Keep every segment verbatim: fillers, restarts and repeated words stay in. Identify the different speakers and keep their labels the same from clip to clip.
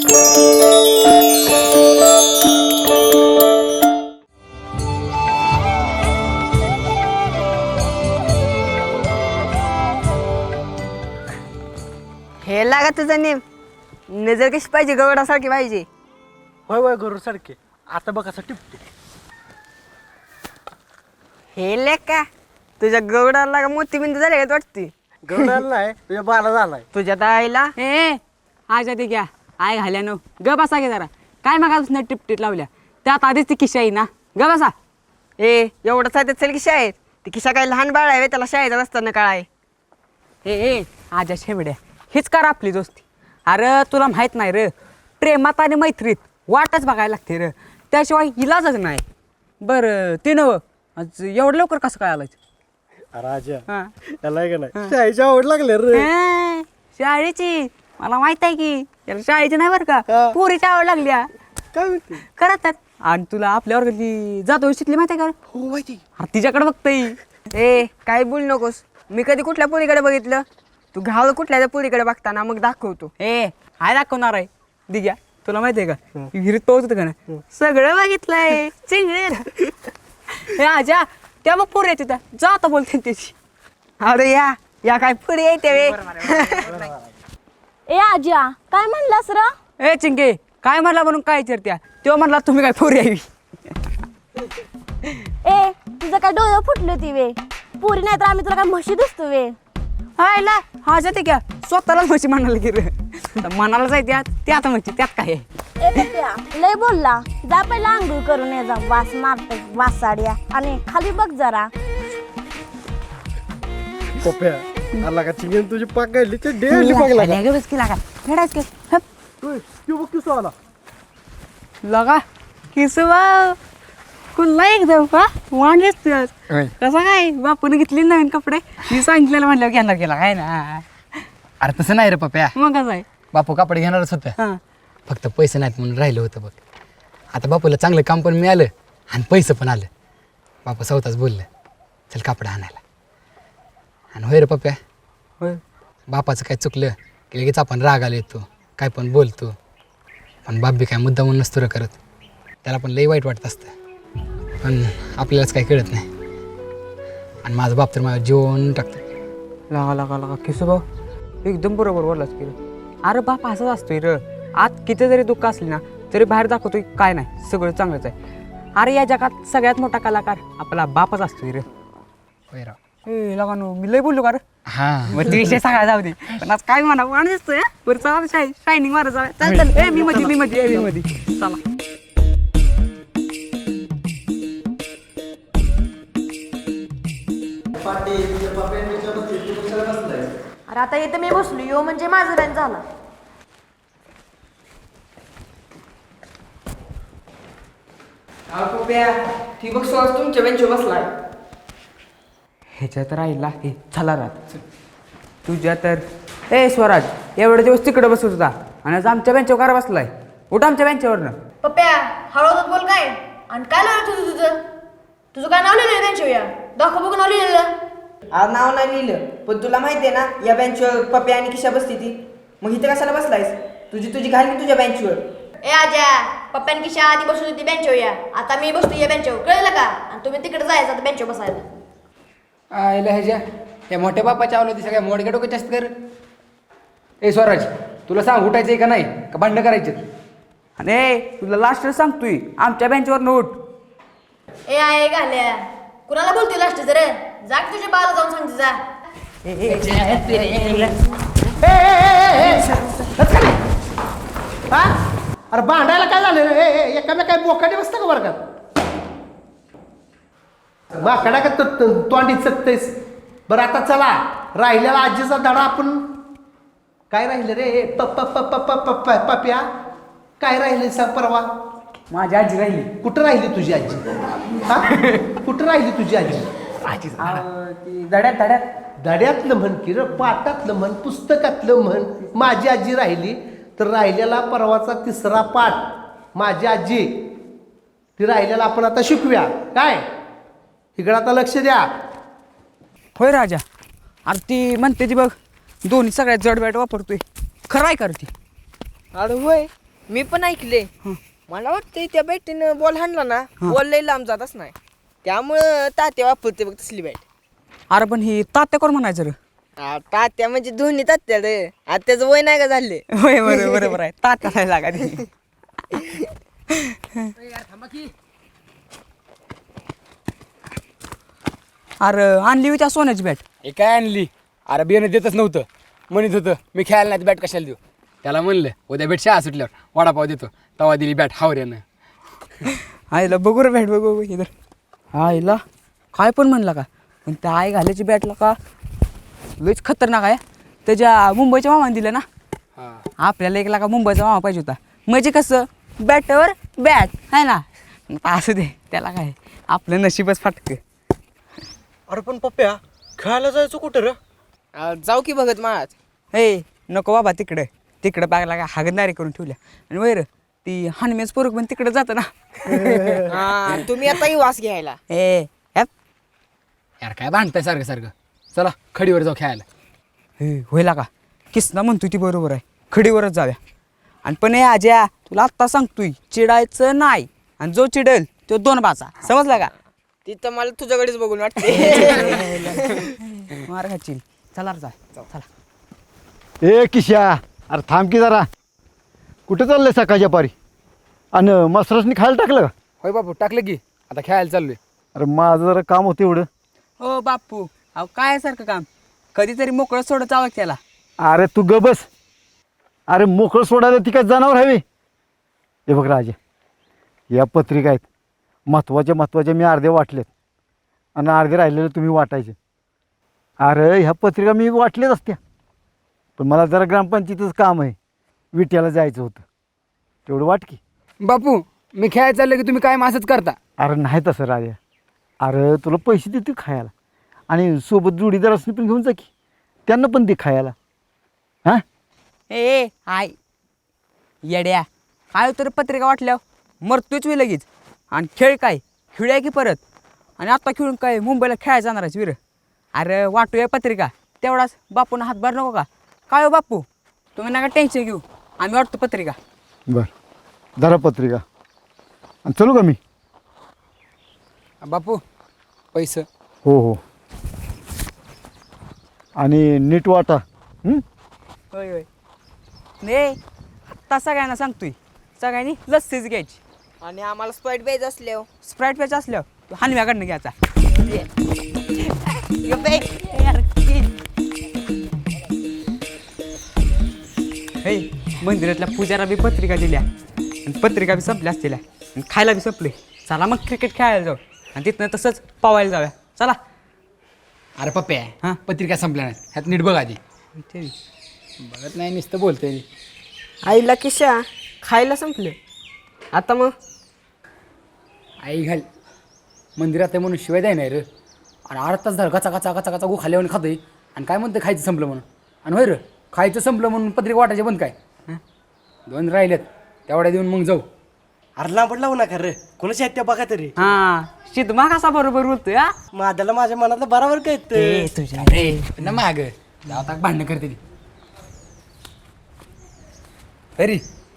Speaker 1: हे लागा तुझा नेम नजर कशी पाहिजे गवडासारखी पाहिजे.
Speaker 2: होय होय गरुड सारखे. आता बघ असं टिपते.
Speaker 1: हे लेक का तुझ्या गवडाला लागा मोतीबिंद झाले का वाटते.
Speaker 2: गरुडाला नाही तुझ्या बाला झालाय.
Speaker 1: तुझ्या दाईला
Speaker 3: ए आजा ते घ्या आय घाल्या नो ग बसा घे जरा. काय मग टिपटीत लावल्या त्यात आधीच ती किशा आहे ना ग बसा.
Speaker 1: ए एवढं साधे चल की शाळेत ती किशा काय लहान बाळ आहे त्याला शाळेत असताना कळाय.
Speaker 3: ए ए आजा शेवड्या हीच कर आपली दोस्ती. अरे तुला माहित नाही रे प्रेमात आणि मैत्रीत वाटच बघायला लागते रे त्याशिवाय इलाजच नाही. बरं ते नव आज एवढं लवकर कसं काय आलायचं.
Speaker 2: राजा
Speaker 3: हां
Speaker 2: त्याला का नाही शाळेची आवड लागले रे.
Speaker 3: ए, शाळेची मला माहित आहे की याला शाळेची नाही बरं
Speaker 2: हा.
Speaker 3: का पोरीची आवड लागली
Speaker 2: काय म्हणते.
Speaker 3: करतात. आणि तुला आपल्या वर्गातली जातो शिकली माहिती आहे का
Speaker 2: हो माहिती.
Speaker 3: अरे तिच्याकडे बघताय.
Speaker 1: ए काय बोल नकोस मी कधी कुठल्या पोरीकडे बघितलं. तू घाल कुठल्या पोरीकडे बघताना मग दाखवतो.
Speaker 3: ए हाय दाखवणार आहे दिग्या तुला माहिती आहे का विहिरीत पाऊस होतं का नाही सगळं बघितलंय चिंगळे. हे आजा त्या मग पोरी येते जा आता बोलते त्याची.
Speaker 1: अरे या या काय पोरी येते वे.
Speaker 4: ए आज्या काय म्हणलास र.
Speaker 3: ए चिंगे काय म्हणला म्हणून काय विचारत्या तेव्हा म्हणला तुम्ही काय पोरी यावी.
Speaker 4: ए तुझं काय डोळं फुटलं ती वे पुरी नाही तर आम्ही तुला काय म्हशी दिसतो वे.
Speaker 3: हायला हा जाते क्या स्वतःलाच म्हशी म्हणायला की रे मनाला जायते ते आता म्हणते त्यात काय आहे.
Speaker 4: ए पप्या लय बोलला जा पहिला आंघोळ करून ये जा वास मारत वासाड्या आणि खाली बघ जरा.
Speaker 2: पप्या आला का चिंगेन तुझी पाक गायली ते डेली पाकला.
Speaker 3: लगा बस की लागा फेडायच की हप.
Speaker 2: तू बघ किसो आला.
Speaker 3: लगा किसू वाव कुल्ला एकदम का वांडेच तू आज. कसं काय बापून घेतली नवीन कपडे मी सांगितलेलं म्हणल्यावर घेणार गेला काय ना.
Speaker 5: अरे तसं नाही रे पप्या.
Speaker 3: मग कसं आहे
Speaker 5: बापू कापड घेणारच होतं
Speaker 3: हां
Speaker 5: फक्त पैसे नाहीत म्हणून राहिलं होतं बघ. आता बापूला चांगलं काम पण मिळालं आणि पैसे पण आलं. बापू स्वतःच बोललं चल कापड आणायला. आणि होय रे पप्या
Speaker 3: होय
Speaker 5: बापाचं काय चुकलं की लगेच आपण राग आला येतो काय पण बोलतो. पण बाप बी काय मुद्दा म्हणून नसतो रे करत. त्याला पण लई वाईट वाटत असतं पण आपल्यालाच काही कळत नाही. आणि माझा बाप तर माझ्या जीवन टाकतो.
Speaker 3: लागा लागा लागा किसू भाऊ एकदम बरोबर बोललास की रे. अरे बाप असंच असतोय र आत किती जरी दुःख असली ना तरी बाहेर दाखवतोय काय नाही सगळं चांगलंच आहे. अरे या जगात सगळ्यात मोठा कलाकार आपला बापच असतोय रे.
Speaker 5: होय राव.
Speaker 3: ए लगा नो मी लय बोललो का रे.
Speaker 5: हां
Speaker 3: मग ते विषय सगळा जाऊ दे पण आज काय म्हणा वाण दिसतोय बरं चला शाय शायनिंग मारा चला चल चल ए मी मध्ये मी मध्ये मी मध्ये चला.
Speaker 4: अरे आता इथं मी बसलो यो म्हणजे माझं बॅन झाला.
Speaker 1: ठिबक सुहास तुमच्या बेंचवर बसलाय.
Speaker 3: ह्याच्यात राहिला हे चला राहत तुझ्या तर ए स्वराज एवढे दिवस तिकडे बसत होता आणि आज आमच्या बेंचवर कार बसलाय. उठ आमच्या बेंचवरनं.
Speaker 6: पप्प्या हळूहळू बोल काय आणि काय लावलं तुझं तुझं तुझं काय नाव लिहिलं त्यांच्या या दाखव बघ नाव लिहिलेलं.
Speaker 1: आज नाव नाही लिहिलं पण तुला माहिती आहे ना या बेंचवर पप्या आणि किशा बसती ती. मग इथे कशाला बसलायस. तुझी तुझी घाल की तुझ्या बेंचवर.
Speaker 6: ए आजा पप्प्यान किशा आधी बसत होती बेंचवर या आता मी बसतो या बेंचवर कळलं का आणि तुम्ही तिकडे जायचं आता बेंचवर बसायला.
Speaker 5: आयला ह्याच्या या मोठ्या बापाच्या आवलं ती सगळ्या मोडक्या डोक्याच्या असत कर. ए स्वराज तुला सांग उठायचं आहे का नाही का भांडणं करायचे.
Speaker 3: आणि तुला लास्ट सांगतोय आमच्या बेंचवर उठ.
Speaker 6: ए आहे घाल्या कुणाला बोलते लास्ट जर जा की तुझ्या बाला जाऊन सांगते जा.
Speaker 2: हा अरे भांडायला काय झालं रे. ए ए एकामेका काय बोकाटे बसतं का वर्गात. बाकडा का तोंडी चकतेस. बरं आता चला राहिलेला आजीचा धडा आपण काय राहिलं रे पप्पा पप्पा पप्पा पप्या काय राहिले सांग परवा.
Speaker 3: माझी आजी राहिली.
Speaker 2: कुठं राहिली तुझी आजी. हा कुठं राहिली तुझी आजी.
Speaker 3: आजी ती दड्यात दड्यात
Speaker 2: धड्यातलं म्हण की र पाठातलं म्हण पुस्तकातलं म्हण. माझी आजी राहिली तर राहिलेला परवाचा तिसरा पाठ माझी आजी ती राहिलेला आपण आता शिकूया काय. इकडं आता लक्ष द्या.
Speaker 3: होय राजा अरे ती म्हणते ती बघ दोन्ही सगळ्यात जड बॅट वापरतोय खरं आहे कर ती.
Speaker 1: अरे होय मी पण ऐकले मला वाटतंय त्या बॅटीनं बॉल हाणला ना बॉल लई लांब जातच नाही त्यामुळं तात्या वापरते बघ तसली बॅट.
Speaker 3: अरे पण ही तात्या कोण म्हणायचं रे?
Speaker 1: आ, तात्या म्हणजे दोन्ही तात्या रे आता त्याचं वय नाही का झाले.
Speaker 3: होय बरोबर बरोबर आहे तात्या नाही लागा ती. अरे आणली होती त्या सोन्याची बॅट.
Speaker 5: हे काय आणली? अरे बियाणं देतच नव्हतं, म्हणत होतं मी खेळायला नाही बॅट कशाला देऊ. त्याला म्हणलं उद्या बॅट शाळा सुटल्यावर वडापाव देतो, तवा दिली बॅट हावऱ्यानं.
Speaker 3: आईला बघू रे बॅट बघू बघू इधर. आईला काय पण म्हणला का, पण त्या आई घालायची बॅटला का लईच खतरनाक आहे. त्याच्या मुंबईच्या मामाने दिलं ना,
Speaker 5: हां
Speaker 3: आपल्याला एक लाखा मुंबईचा मामा पाहिजे होता. म्हणजे कसं बॅटवर बॅट आहे ना, आता असू दे त्याला काय आपलं नशीबच फाटकं.
Speaker 7: अरे पण पप्प्या खेळायला जायचं कुठं रे?
Speaker 1: आ, जाऊ की बघत महाराज.
Speaker 3: हे नको बाबा तिकडं तिकडं बागला का हागणदारी करून ठेवल्या. आणि वैर ती हनमेच पोरग पण तिकडं जातं ना.
Speaker 1: हा, तुम्ही आता वास घ्यायला.
Speaker 3: ए ॲप.
Speaker 5: यार काय भांडताय सारखं सारखं. चला खडीवर जाऊ खेळायला.
Speaker 3: हे होईला का किसना म्हणतोय ती बरोबर आहे, खडीवरच जाऊया. आणि पण हे आज्या तुला आत्ता सांगतोय चिडायचं नाही, आणि जो चिडेल तो दोन बाचा, समजला का?
Speaker 1: तिथं मला तुझ्याकडेच बघून वाटते.
Speaker 3: मार खाचील. चला रे जा चला.
Speaker 7: ए किशा, अरे थांब की जरा. कुठे चाललंय सकाळच्या पारी? आणि मसरसनी खायला टाकलं का?
Speaker 5: होय बापू टाकलं की आता खेळायला चाललोय.
Speaker 7: अरे माझं जरा काम होतं एवढं.
Speaker 3: हो बापू अहो काय आहे सारखं काम, कधीतरी मोकळं सोडत जावं त्याला.
Speaker 7: अरे तू ग बस. अरे मोकळं सोडायला ती काय जनावर हवी? हे बघ राजा, या पत्रिका आहेत महत्त्वाच्या महत्त्वाच्या मी अर्धे वाटलेत आणि अर्धे राहिलेले तुम्ही वाटायचे. अरे ह्या पत्रिका मी वाटल्याच असत्या, पण मला जरा ग्रामपंचायतीचं काम आहे, विट्याला जायचं होतं, तेवढं वाट की.
Speaker 5: बापू मी खेळायला चाललो की तुम्ही काय असंच करता?
Speaker 7: अरे नाही तसं राजा. अरे तुला पैसे देते खायला, आणि सोबत जोडीदार असणे पण घेऊन जा की, त्यांना पण दे खायला. हां
Speaker 3: ए आय येड्या, काय तर पत्रिका वाटल्यावर मरतोच मी लगेच. आणि खेळ काय खेळूया की परत, आणि आत्ता खेळून काय मुंबईला खेळायला जाणारच वीर. अरे वाटूया पत्रिका तेवढाच बापून हातभार नको का? काय हो बापू तुम्ही नका टेन्शन घेऊ, आम्ही वाटतो पत्रिका.
Speaker 7: बरं धरा पत्रिका आणि चलू का मी?
Speaker 5: बापू पैसे.
Speaker 7: हो हो, आणि नीट वाटा. हं?
Speaker 3: होय होय. ने आत्ता सगळ्यांना सांगतोय, सगळ्यांनी लस्सीच घ्यायची.
Speaker 1: आणि आम्हाला स्पाईट प्यायचं असल्यावर
Speaker 3: स्प्राईट प्यायचं असल्यावर हानव्याकडनं घ्यायचा. हे मंदिरातल्या पूजाला बी पत्रिका दिल्या, आणि पत्रिका बी संपल्या असतील, आणि खायला बी संपले. चला मग क्रिकेट खेळायला जाऊ, आणि तिथनं तसंच पवायला जाऊया. चला.
Speaker 5: अरे पप्प्या
Speaker 3: हां.
Speaker 5: पत्रिका संपल्या नाही, ह्यात नीट बघ आधी. बघत नाही नुसतं बोलतोय.
Speaker 1: आईला किशा खायला संपलं आता मग.
Speaker 5: आई घाल मंदिरात आहे म्हणून शिवाय द्याय नाही रे. आणि अर्धा तास झालं कचा कचा कचा कचा गो खाल्ल्यावर खातोय, आणि काय म्हणते खायचं संपलं म्हणून. आणि होय रे खायचं संपलं म्हणून पत्रिका वाटायचे बंद काय? दोन राहिलेत तेवढ्या देऊन मग जाऊ.
Speaker 8: अरे लांबड लावू नका रे, कोणाची आहेत त्या बघा तरी.
Speaker 3: हा शिदमा कसा बरोबर बोलतोय हा.
Speaker 8: माझ्याला माझ्या मनातलं बरोबर कळतं.
Speaker 3: तुझ्या
Speaker 5: रे ना माग आता भांडणं करते ती तरी.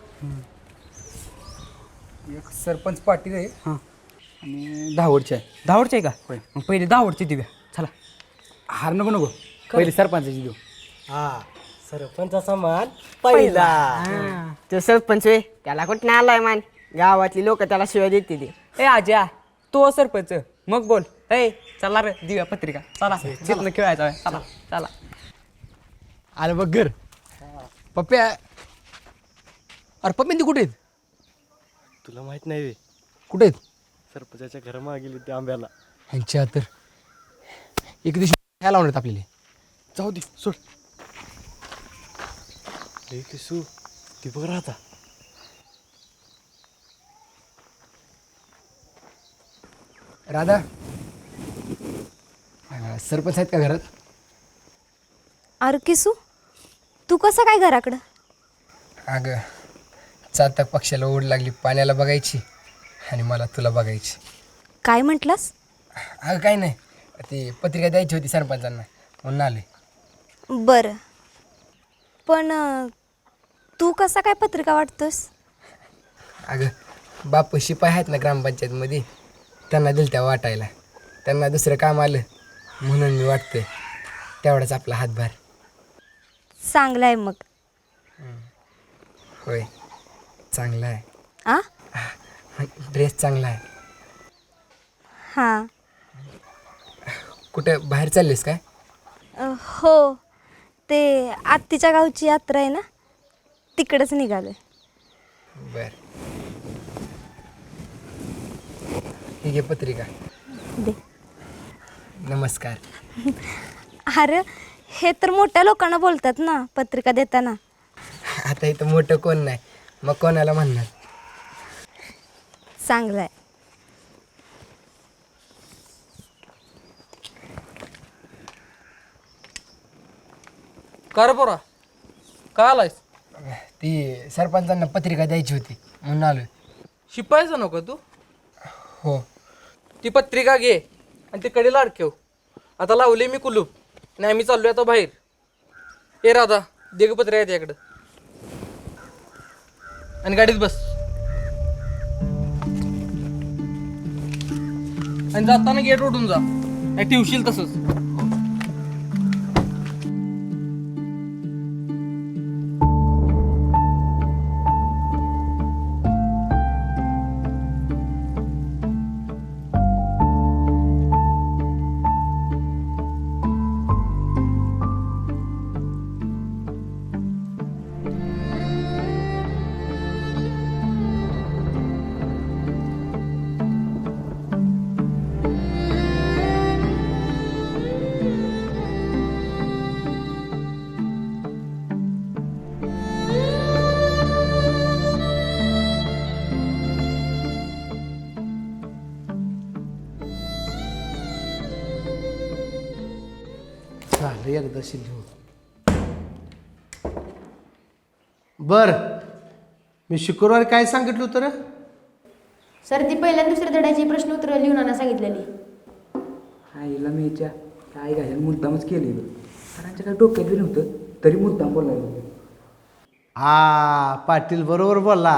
Speaker 5: एक सरपंच पाटील आहे
Speaker 3: हां.
Speaker 5: आणि दहावडची आहे.
Speaker 3: धावडची आहे का?
Speaker 5: होय.
Speaker 3: मग पहिले धावडची देऊया. चला.
Speaker 5: हार नको नको पहिले सरपंचाची देऊ.
Speaker 8: हा सरपंचाचा मान पहिला.
Speaker 1: तो सरपंच वे त्याला कुठं नाही आलाय मान, गावातली लोक त्याला शिवाय देते ते.
Speaker 3: ए आज्या तो सरपंच मग बोल. ए चला रे देऊया पत्रिका. चला तिथनं खेळायचं आहे. चला चला.
Speaker 5: आलं बघ घर. पप्प्या अरे पप्पा ती कुठे आहेत?
Speaker 8: तुला माहित नाही वे,
Speaker 5: कुठे आहेत?
Speaker 8: सरपंचाच्या घरामागे गेली त्या आंब्याला.
Speaker 5: ह्यांच्या तर एक दिवशी ह्या लावणार आपल्याला.
Speaker 8: जाऊ दे सोड. ए किसू ती बघ राहता.
Speaker 5: राधा अं, सरपंच आहेत का घरात?
Speaker 4: अरे किसू तू कसं काय घराकडं?
Speaker 5: अगं चातक पक्षाला ओढ लागली पाण्याला बघायची, आणि मला तुला बघायची.
Speaker 4: काय म्हटलंस?
Speaker 5: अगं काही नाही, ती पत्रिका द्यायची होती सरपंचांना म्हणून आले.
Speaker 4: बरं, पण अं, तू कसा काय पत्रिका वाटतोस?
Speaker 5: अगं बापू शिपाई आहेत ना ग्रामपंचायतमध्ये, त्यांना दिलं त्या वाटायला. त्यांना दुसरं काम आलं म्हणून मी वाटतोय तेवढाच आपला हातभार.
Speaker 4: चांगलं आहे मग.
Speaker 5: होय चांगला आहे.
Speaker 4: आ
Speaker 5: ड्रेस चांगला आहे.
Speaker 4: हां.
Speaker 5: कुठं बाहेर चाललीस काय?
Speaker 4: अ, हो, ते आत्तीच्या गावची यात्रा आहे ना, तिकडंच निघालोय.
Speaker 5: बर, ही घे पत्रिका.
Speaker 4: दे.
Speaker 5: नमस्कार.
Speaker 4: अरे हे तर मोठ्या लोकांना बोलतात ना पत्रिका देताना.
Speaker 5: आता इथं मोठं कोण नाही, मग कोणाला म्हणणार.
Speaker 4: चांगलं आहे.
Speaker 9: का रे पोरा, का आलायस?
Speaker 5: ती सरपंचांना पत्रिका द्यायची होती म्हणून आलोय.
Speaker 9: शिपायचा नको तू?
Speaker 5: हो.
Speaker 9: ती पत्रिका घे आणि ती कडे लाडकेव. आता लावले मी कुलूप आणि आम्ही चाललोय आता बाहेर. ए राधा, दे ग पत्रिका त्याकडं आणि गाडीत बस. आणि जाताना गेट उठून जा, नाही ठेवशील तसंच.
Speaker 2: झालं एकदा लिहून. बर, मी शुक्रवारी काय सांगितलं होतं रे?
Speaker 6: सर ती पहिल्या आणि दुसऱ्या धड्याची प्रश्न उत्तर लिहून आणा सांगितलेली.
Speaker 3: आईला मीच्या काय घाल मुद्दामच केले ग. सरांच्या काय डोक्यात बी नव्हतं तरी मुद्दाम बोलायला.
Speaker 2: हा पाटील बरोबर बोलला.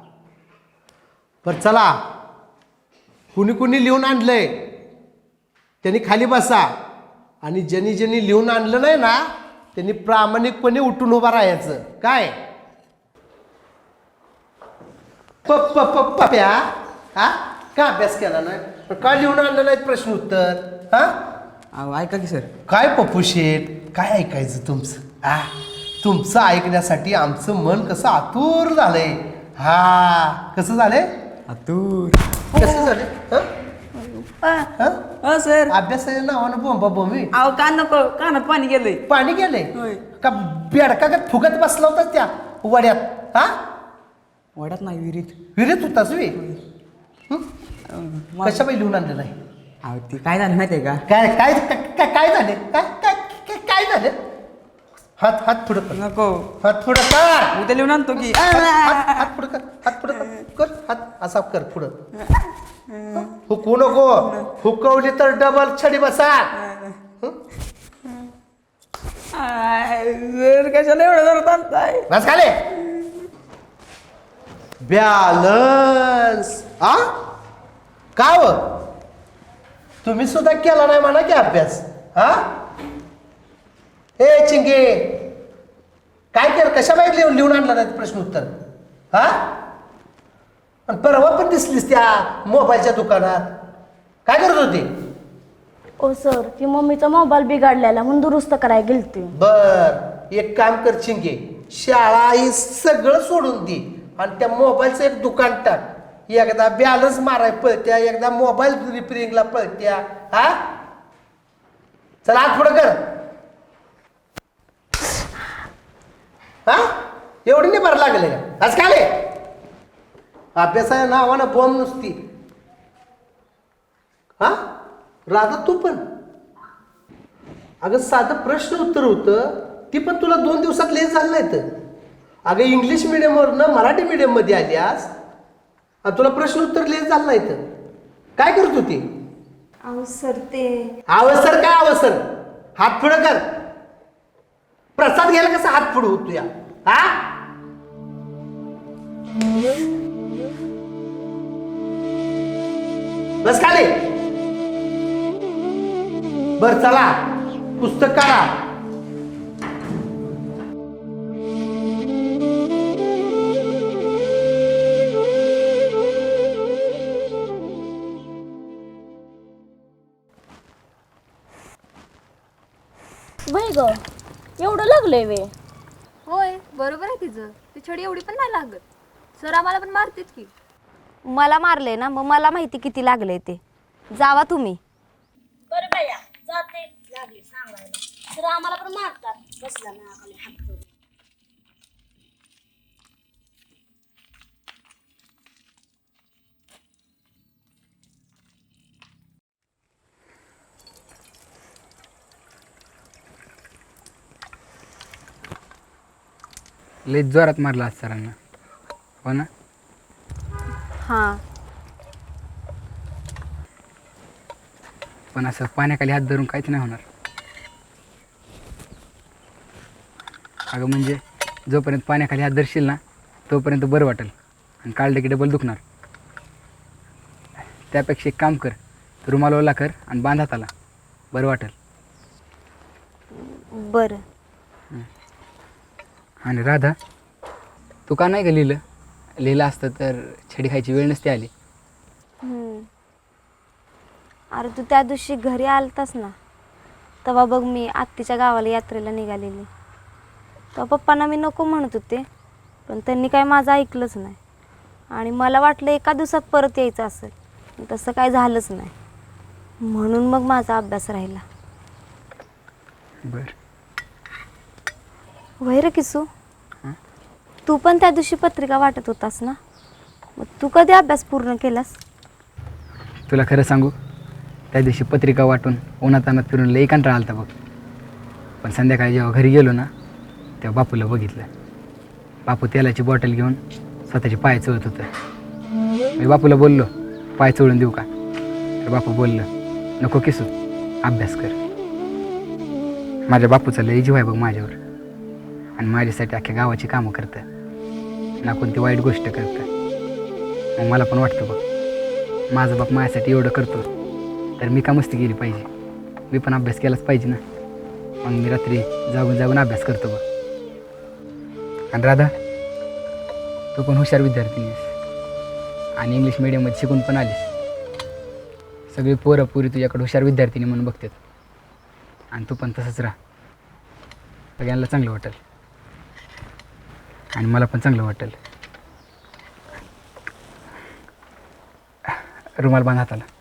Speaker 2: पर चला, कुणी कुणी लिहून आणलंय त्यांनी खाली बसा आणि ज्यांनी ज्यांनी लिहून आणलं नाही ना त्यांनी प्रामाणिकपणे उठून उभा राहायचं. काय पप्पा पप्प्या हा का अभ्यास केला नाही? का लिहून आणलं नाहीत प्रश्न उत्तर? हा
Speaker 3: अहो ऐका की सर.
Speaker 2: काय पप्पू शेठ, काय ऐकायचं तुमचं? आ तुमचं ऐकण्यासाठी आमचं मन कसं आतुर झालंय. हा कसं झालंय?
Speaker 3: आतूर.
Speaker 2: कसं झालं? हं? हं?
Speaker 3: हो सर.
Speaker 2: अभ्यासाच्या नावानं बोंबा बोंबी.
Speaker 3: अहो का नको, कानात पाणी गेलंय.
Speaker 2: पाणी गेलंय
Speaker 3: होय.
Speaker 2: का? बेडका का फुगत बसला होता त्या वड्यात? हा
Speaker 3: वाड्यात नाही विहिरीत.
Speaker 2: विहिरीत होताच वे.
Speaker 3: मा-
Speaker 2: कशा पाहिजे लिहून आणलं नाही?
Speaker 3: अहो ती काय झालं माहिती आहे का?
Speaker 2: काय काय काय काय झाले? काय काय काय- काय झालं? हात हात पुढं कर.
Speaker 3: नको,
Speaker 2: हात पुढं कर.
Speaker 3: उद्या लिहून आणतो की.
Speaker 2: हात हात- हात पुढं कर. हात पुढं कर. कर हात असा कर पुढं. हुकू नको. हुकवली तर डबल छडी बसा.
Speaker 3: सर कशाला एवढं जरा आणताय?
Speaker 2: बस खाले. बॅलन्स. आ का हो तुम्ही सुद्धा केला नाही म्हणा की अभ्यास? हा ए चिंगे, काय केलं? कशा माहिती लिहून लिहून आणला नाही प्रश्न उत्तर? हा आणि परवा पण दिसलीस त्या मोबाईलच्या दुकानात. काय करत होती?
Speaker 4: ओ सर, ती मम्मीचा मोबाईल बिघडलेला म्हणून दुरुस्त करायला गेलती.
Speaker 2: बर, एक काम कर चिंगे, शाळा ही सगळं सोडून दे आणि त्या मोबाईलचं एक दुकान टाक. एकदा बॅलन्स माराय पळत्या, एकदा मोबाईल रिपेरिंगला पळत्या. हा चला आत पुढं कर. हा एवढी नाही बरं लागले का? आज काय अभ्यासाच्या नावानं बॉम्ब नुसती. हा राधा तू पण अगं साधं प्रश्न उत्तर होतं ती पण तुला दोन दिवसात लेट झालं नाही तर. अगं इंग्लिश मिडियमवरनं मराठी मिडियममध्ये आल्यास आणि तुला प्रश्न उत्तर लेट झालं नाही तर काय करत होती?
Speaker 4: अहो सर ते
Speaker 2: अवसर काय अवसर? हात पुढं कर. प्रसाद घ्यायला कसा हात पुढं होतो या? हा बस खाली. बर चला पुस्तक काढा.
Speaker 4: वय ग एवढं लागलंय वे.
Speaker 6: होय बरोबर आहे तिचं. ती छडी एवढी पण नाही लागत. सर आम्हाला पण मारतेच की.
Speaker 4: मला मारले ना मग मला माहिती किती लागले ते. जावा तुम्ही. बरं बाया जाते लागले सांगायला तर आम्हाला पण मारतात बसला ना खाली हात करून.
Speaker 5: लय जोरात मारला आज सरांना. हो ना.
Speaker 4: हां
Speaker 5: पण असं पाण्याखाली हात धरून काहीच नाही होणार. अगं म्हणजे जोपर्यंत पाण्याखाली हात धरशील ना तोपर्यंत बरं वाटेल आणि काढलं की डबल दुखणार. त्यापेक्षा एक काम कर, रुमाल ओला कर आणि बांध हाताला, बरं वाटेल.
Speaker 4: बरं.
Speaker 5: आणि राधा, तू का नाही का लिहिलं? लिहिलं असतं तर छडी खायची वेळ नसते आली.
Speaker 4: हम्म. अरे तू त्या दिवशी घरी आलतास ना तेव्हा बघ मी आत्तीच्या गावाला यात्रेला निघालेली. तेव्हा पप्पांना मी नको म्हणत होते पण त्यांनी काय माझं ऐकलंच नाही आणि मला वाटलं एका दिवसात परत यायचं असेल. तसं काय झालंच नाही म्हणून मग माझा अभ्यास राहिला.
Speaker 5: बरं.
Speaker 4: वय रे किसू, तू पण त्या दिवशी पत्रिका वाटत होतास ना, मग तू कधी अभ्यास पूर्ण केलास?
Speaker 5: तुला खरं सांगू, त्या दिवशी पत्रिका वाटून उन्हातानात फिरून लई कंटाळा आलता बघ. पण संध्याकाळी जेव्हा घरी गेलो ना तेव्हा बापूला बघितलं. बापू तेलाची बॉटल घेऊन स्वतःचे पाय चोळत होतं. मी बापूला बोललो, पाय चोळून देऊ का? तर बापू बोललं, नको किसू, अभ्यास कर. माझ्या बापूचा लई जीव आहे बघ माझ्यावर आणि माझ्यासाठी अख्ख्या गावाची कामं करतं ना कोणती वाईट गोष्ट करतं. मग मला पण वाटतं बघ, माझा बाप माझ्यासाठी एवढं करतो तर मी का मस्ती केली पाहिजे? मी पण अभ्यास केलाच पाहिजे ना. मग मी रात्री जागून जागून अभ्यास करतो बघ. आणि राधा, तू पण हुशार विद्यार्थी आहेस आणि इंग्लिश मिडियममध्ये शिकून पण आलीस. सगळी पोरं पुरी तुझ्याकडे हुशार विद्यार्थिनी म्हणून बघतात आणि तू पण तसंच राहा. सगळ्यांना चांगलं वाटेल आणि मला पण चांगलं वाटेल. रुमाल बांध हाताला.